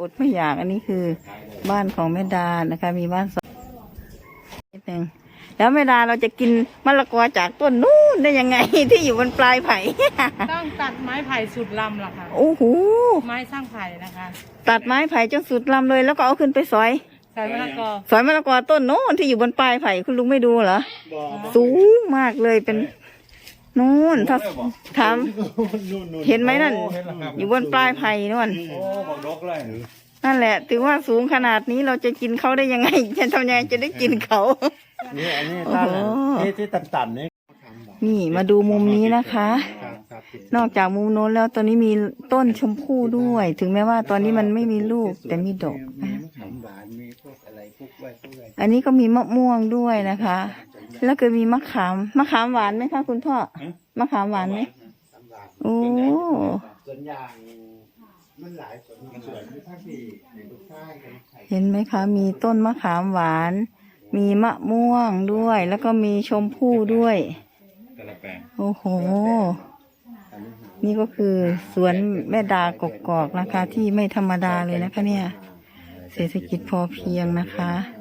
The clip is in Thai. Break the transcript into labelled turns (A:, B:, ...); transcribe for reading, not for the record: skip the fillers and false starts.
A: อดไม่อยากอันนี้คือบ้านของแม่ดานะคะมีบ้านสองนิดนึงแล้วแม่ดาเราจะกินมะละกอจากต้นนู้นได้ยังไง ที่อยู่บนปลายไผ่
B: ต้องตัดไม้ไผ่สุดลำล่ะค่ะ
A: โอ้โห
B: ไม้สร้างไผ่นะคะ
A: ตัดไม้ไผ่จนสุดลำเลยแล้วก็เอาขึ้นไปซอย
B: ใส่มะละกอ
A: สอยมะละกอต้นโน้นที่อยู่บนปลายไผ่คุณลุงไม่ดูเหรอสูงมากเลยเป็นนู่นถ้าถามเห็นไหมนั่นอยู่บนปลายไผ่นู่น
C: โอ้บอกดกเลย
A: นั่นแหละถือว่าสูงขนาดนี้เราจะกินเขาได้ยังไงจะทำยังไงจะได้กินเขา
C: นี่อันนี้
A: โอ้
C: ต้น
A: โห
C: ที่ต่ำๆนี่
A: นี่มาดูมุมนี้นะคะ นอกจากมุมโน้นแล้วตอนนี้มีต้นชมพู่ด้วย ถึงแม้ว่าตอนนี้มันไม่มีลูกแต่มีดอก
C: มีมะขามหวานมีพวกอะไรพวกไว้พวกอะไร
A: อันนี้ก็มีมะม่วงด้วยนะคะ แล้วก็มีมะขามหวานไหมคะคุณพ่อมะขามหวานไหมโอ้
C: สวนยางมันหลายสวนมีภาคที่ในทุกภาคกัน
A: เห็นไหมคะ มีต้นมะขามหวาน มีมะม่วงด้วย แล้วก็มีชมพู่ด้วยโอ้โห นี่ก็คือสวนแม่ดากกอกนะคะ ที่ไม่ธรรมดาเลยนะคะเนี่ย เศรษฐกิจพอเพียงนะคะ